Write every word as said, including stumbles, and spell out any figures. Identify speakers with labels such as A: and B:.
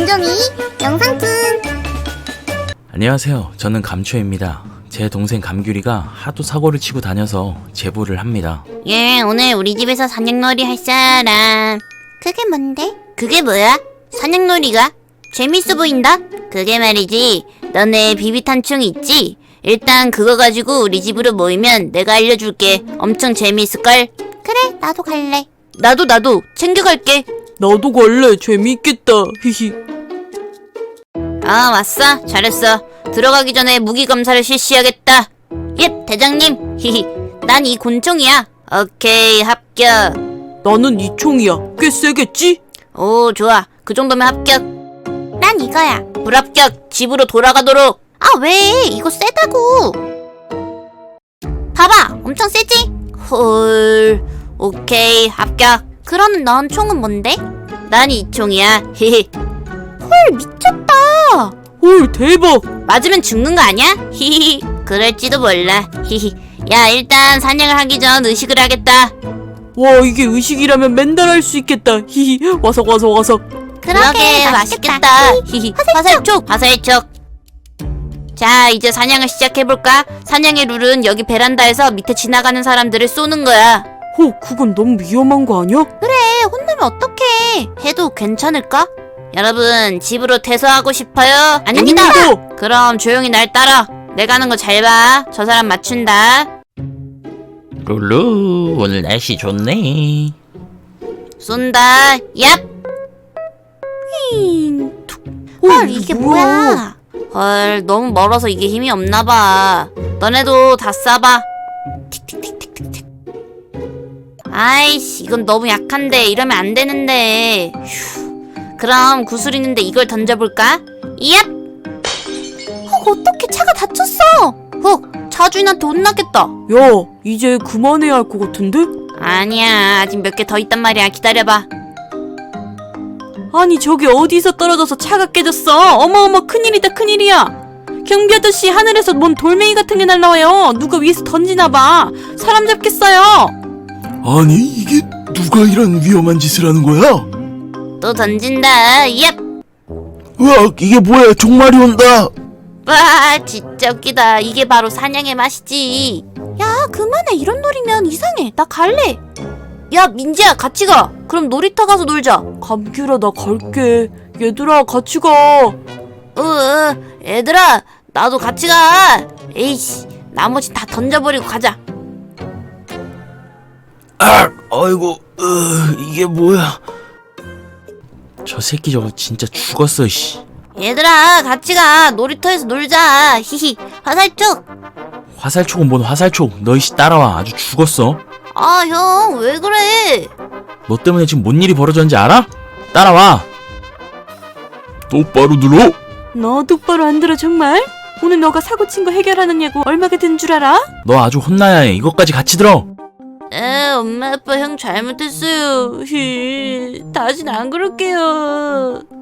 A: 감정이 영상툰.
B: 안녕하세요. 저는 감초입니다. 제 동생 감귤이가 하도 사고를 치고 다녀서 제보를 합니다.
A: 예, 오늘 우리 집에서 사냥놀이 할 사람. 그게 뭔데? 그게 뭐야? 사냥놀이가? 재밌어 보인다? 그게 말이지, 너네 비비탄총 있지? 일단 그거 가지고 우리 집으로 모이면 내가 알려줄게. 엄청 재미있을걸? 그래, 나도 갈래. 나도 나도 챙겨갈게.
C: 나도 갈래. 재미있겠다. 히히.
A: 아, 왔어? 잘했어. 들어가기 전에 무기 검사를 실시하겠다. 예, 대장님. 히히. 난 이 곤총이야. 오케이, 합격.
C: 나는 이 총이야. 꽤 세겠지?
A: 오, 좋아. 그 정도면 합격. 난 이거야. 불합격. 집으로 돌아가도록. 아, 왜? 이거 세다고. 봐봐. 엄청 세지? 헐. 오케이, 합격. 그럼 넌 총은 뭔데? 난 이 총이야. 히히. 헐, 미쳤다.
C: 헐, 대박.
A: 맞으면 죽는 거 아니야? 히히. 그럴지도 몰라. 히히. 야, 일단 사냥을 하기 전 의식을 하겠다.
C: 와, 이게 의식이라면 맨날 할 수 있겠다. 히히. 와석 와석 와석.
A: 그러게, 맛있겠다. 히히. 화살촉, 화살촉. 자, 이제 사냥을 시작해볼까? 사냥의 룰은 여기 베란다에서 밑에 지나가는 사람들을 쏘는 거야.
C: 호, 그건 너무 위험한 거 아니야?
A: 그래, 혼나면 어떡해. 해도 괜찮을까? 여러분, 집으로 퇴소하고 싶어요? 아닙니다.
C: 아닙니다.
A: 그럼 조용히 날 따라. 내가 하는 거 잘 봐. 저 사람 맞춘다.
B: 룰루, 오늘 날씨 좋네.
A: 쏜다. 얍. 힝. 헐, 이게 뭐야? 헐, 너무 멀어서 이게 힘이 없나봐. 너네도 다 쏴봐. 틱틱틱틱틱틱. 아이씨, 이건 너무 약한데. 이러면 안 되는데. 휴. 그럼 구슬 있는데 이걸 던져볼까? 얍. 헉, 어떡해, 차가 다쳤어. 헉, 차주인한테 혼나겠다.
C: 야, 이제 그만해야 할 것 같은데?
A: 아니야, 아직 몇 개 더 있단 말이야. 기다려봐.
C: 아니, 저기 어디서 떨어져서 차가 깨졌어? 어마어마 큰일이다, 큰일이야. 경비 아저씨, 하늘에서 뭔 돌멩이 같은 게 날라와요. 누가 위에서 던지나봐. 사람 잡겠어요.
D: 아니 이게 누가 이런 위험한 짓을 하는 거야?
A: 또 던진다. 얍.
D: 으악 이게 뭐야 종말이 온다.
A: 와, 진짜 웃기다. 이게 바로 사냥의 맛이지. 야, 그만해. 이런 놀이면 이상해. 나 갈래. 야, 민지야, 같이 가. 그럼 놀이터 가서 놀자.
C: 감귤아, 나 갈게. 얘들아, 같이 가.
A: 으, 으, 얘들아, 나도 같이 가. 에이씨, 나머지 다 던져버리고 가자.
D: 아 아이고 으, 이게 뭐야?
B: 저 새끼 저거 진짜 죽었어, 씨.
A: 얘들아, 같이 가. 놀이터에서 놀자. 히히. 화살촉.
B: 화살촉은 뭔 화살촉. 너 이씨 따라와. 아주 죽었어.
A: 아, 형, 왜 그래?
B: 너 때문에 지금 뭔 일이 벌어졌는지 알아? 따라와.
D: 똑바로 들어.
C: 너 똑바로 안 들어, 정말? 오늘 너가 사고 친 거 해결하는 예고 얼마가 든 줄 알아?
B: 너 아주 혼나야 해. 이것까지 같이 들어.
A: 에, 엄마, 아빠, 형 잘못했어요. 히, 다신 안 그럴게요.